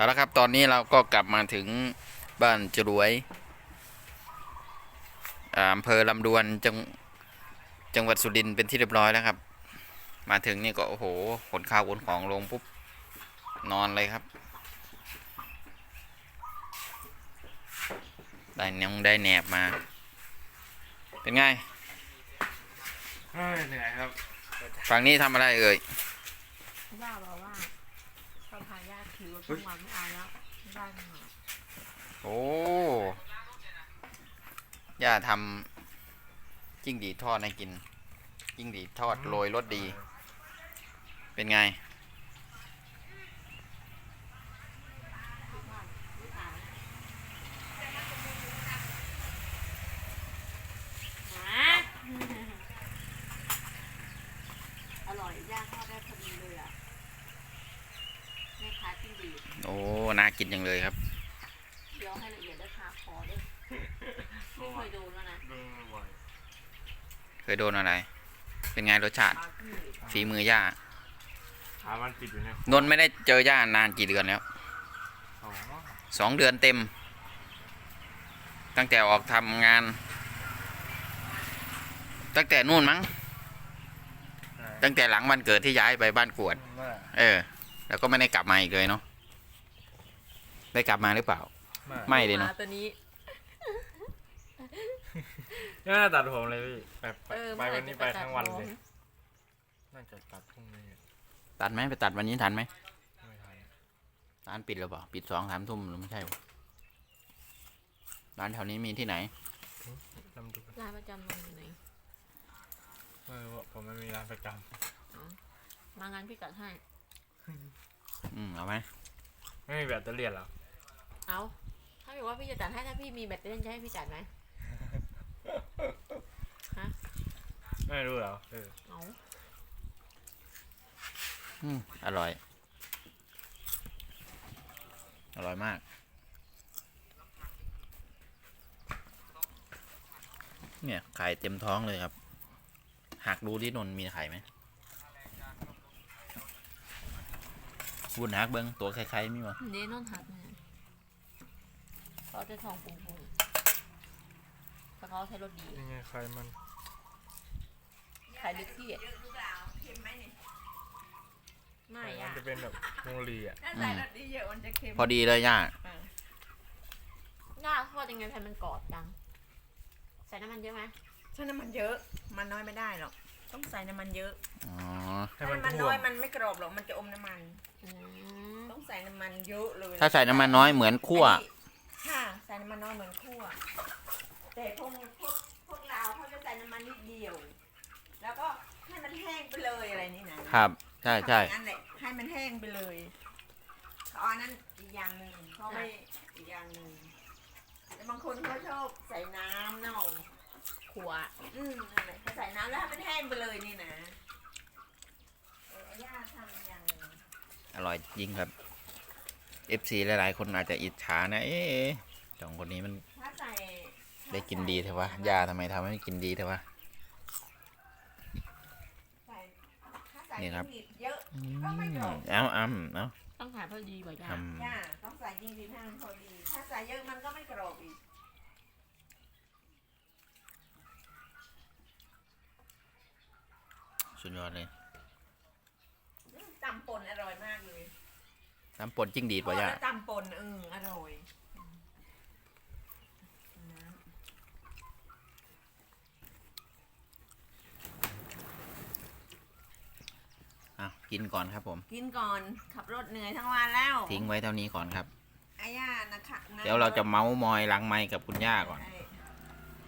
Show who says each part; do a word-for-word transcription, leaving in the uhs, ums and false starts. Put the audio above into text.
Speaker 1: เอาละครับตอนนี้เราก็กลับมาถึงบ้านจรวยอำเภอลำดวนจังจังหวัดสุรินทร์เป็นที่เรียบร้อยแล้วครับมาถึงนี่ก็โอ้โหขนข้าวขนของลงปุ๊บนอนเลยครับได้นงได้แหนบมาเป็นไง
Speaker 2: เหนื่อยครับ
Speaker 1: ฝั่งนี้ทำอะไรเอ่ย
Speaker 3: ย่าบอกว่าเขาพาย่าขี่รถทุกวันไม่เอาแล้วบ้านหมา
Speaker 1: โอ้ย่าทำจิ้งหรีดทอดให้กินจิ้งหรีดทอดโรยรสดีเป็นไง
Speaker 3: อร่อยย่าทอดได้พอดีเลยอ่ะแม่ค้าจิ้งหรีด
Speaker 1: โอ้น่ากินจังเลยครับ
Speaker 3: เคี้ยวให้ละเอียดได้คาคอด้วยไม่เคยโดนแล้วนะ
Speaker 2: ดูบ่อย
Speaker 1: เคยโดนอะไร เป็นไงรสชาติ
Speaker 3: ปลาจิ้งหรีด
Speaker 1: ฝีมือย่า
Speaker 2: ขามันติดอยู่เนี่ย
Speaker 1: นนท์ไม่ได้เจอย่านานกี่เดือนแล้ว
Speaker 2: อ๋อ
Speaker 1: สองเดือนเต็ม ตั้งแต่ออกทำงาน ตั้งแต่นู่นมั้ง ตั้งแต่หลังวันเกิดที่ย้ายไปบ้านกวด
Speaker 2: ว่า
Speaker 1: เออ แล้วก็ไม่ได้กลับมาอีกเลยเนาะ ได้กลับมาหรือเปล่า ไม่เลยเนาะ
Speaker 3: หตัวนี้
Speaker 2: น่าตัดผมเลยพี่ไปไป
Speaker 3: เออ
Speaker 2: ไปวันนี้ไปทั้งวันเลย
Speaker 3: เมื่อไหร่จะไปตัดผม
Speaker 2: น่าจะตัดพรุ่งนี้
Speaker 1: ตัดไหมไปตัดวันนี้ทันไหม
Speaker 2: ไม่ทัน
Speaker 1: ร้านปิดหรือเปล่า ปิดสองสามทุ่มหรือไม่ใช่วะร้านแถวนี้มีที่ไหน
Speaker 2: ลำดู
Speaker 3: ร้านประจำมันอยู่ไหน
Speaker 2: เออผมไม่มีร้านประจ
Speaker 3: มางานพี่กัดให้
Speaker 1: อืมเอาไหม
Speaker 2: ำไม่มีแบตเตอรี่หรอ
Speaker 3: เอาถ้าบอกว่าพี่จะจัดให้ถ้าพี่มีแบตเตอรี่จะให้พี่จัดไหมฮะ
Speaker 2: ไม่รู้เหรอเออ
Speaker 3: เอา
Speaker 1: อืมอร่อย อร่อยมาก เนี่ยไข่เต็มท้องเลยครับ หักดูที่นนท์มีไข่ไหมวุ้นหักเบิ้งตัวไข่ๆมีมั้ย
Speaker 3: เดนอนหักเนี่ยเขาจะทองปุ้งปุ้งแต่เขาใช้รถดี
Speaker 2: ยังไงใครมัน
Speaker 3: ขายลึกที่อ่ะไม่
Speaker 2: มั
Speaker 3: อ่ะ
Speaker 2: นจะเป็นแบบโมลีอ่ะ
Speaker 4: ถ้าใส่รสดีเยอะมันจะเค็ม
Speaker 1: พอดีเลยย่า
Speaker 3: ย่าทอดยังไงให้มันกรอบจังใส่น้ำมันเยอะไหม
Speaker 4: ใช้น้ำมันเยอะ มันน้อยไม่ได้หรอก ต้องใส่น้ำมันเยอะ
Speaker 1: อ๋อ
Speaker 2: ให้
Speaker 4: ถ้า
Speaker 2: มัน
Speaker 4: น้ำมัน
Speaker 2: ท่
Speaker 4: น้
Speaker 2: ว
Speaker 4: อย
Speaker 2: ม
Speaker 4: มันไม่กรอบหรอก มันจะอมน้ำมัน
Speaker 3: อืม
Speaker 4: ต้องใส่น้ำมันเยอะเลย
Speaker 1: ถ้าใส่น้ำมันน้อยเหมือนคั่ว
Speaker 4: อันนี้ค่ะ ใส่น้ำมันน้อยเหมือนคั่ว แต่พวกพวกพวกเราวเขาจะใส่น้ำมันนิดเดียว แล้วก็ให้มันแห้งไปเลยอะไรนี่นะครับ
Speaker 1: ใช่ใช่
Speaker 4: ทำอย่างนั้นแหละ ให้มันแห้งไปเลยเขาเอาอันนั้นอีกอย่างหนึ่งเขาไม่อีกอย่างหนึ่งแต่บางคนเขาชอบใส่น้ำเน่า
Speaker 3: ขัว
Speaker 4: อืมนั่นแหละใส่น้ำแล้วให้มันแห้งไปเลยนี่นะเออย่าทำอย่างหนึ่ง
Speaker 1: อร่อยจริงครับ เอฟ ซี หลายๆ คนอาจจะอิจฉานะ เอ๊ะสองคนนี้มัน
Speaker 4: ถ้าใส่
Speaker 1: ได้กินดีเถอะวะย่าทำไมทำให้กินดีเถอะวะ
Speaker 4: ใส่ถ้าใส่
Speaker 1: นี่ครับ
Speaker 4: จิ้งหรีดเยอะ
Speaker 1: อื
Speaker 4: ก็ไม่
Speaker 1: ม
Speaker 4: กรอบ
Speaker 1: เอาเอาเอา
Speaker 3: ต้องขายพอดีกว่าย่า
Speaker 1: ท
Speaker 4: ย่าต้องใส่จิ้งหรีดให้มันพอดี ถ้าใส่เยอะมันก็ไม่กรอบอีก
Speaker 1: ำสุดยอดเลย
Speaker 4: อืมตำป่นอร่อยมากเลย
Speaker 1: น้ำป่นจิ้งดีดป่ะย่า
Speaker 4: แล้วตำป่นเอออร่อยอืมน้
Speaker 1: อ่ะกินก่อนครับผม
Speaker 4: ำกินก่อนขับรถเหนื่อยทั้งวันแล้ว
Speaker 1: ทิ้งไว้เท่านี้ก่อนครับ
Speaker 4: อาย่านะคะนะ
Speaker 1: เดี๋ยวเราจะเมาส์มอยหลังไมค์กับคุณย่าก่อน
Speaker 4: เออ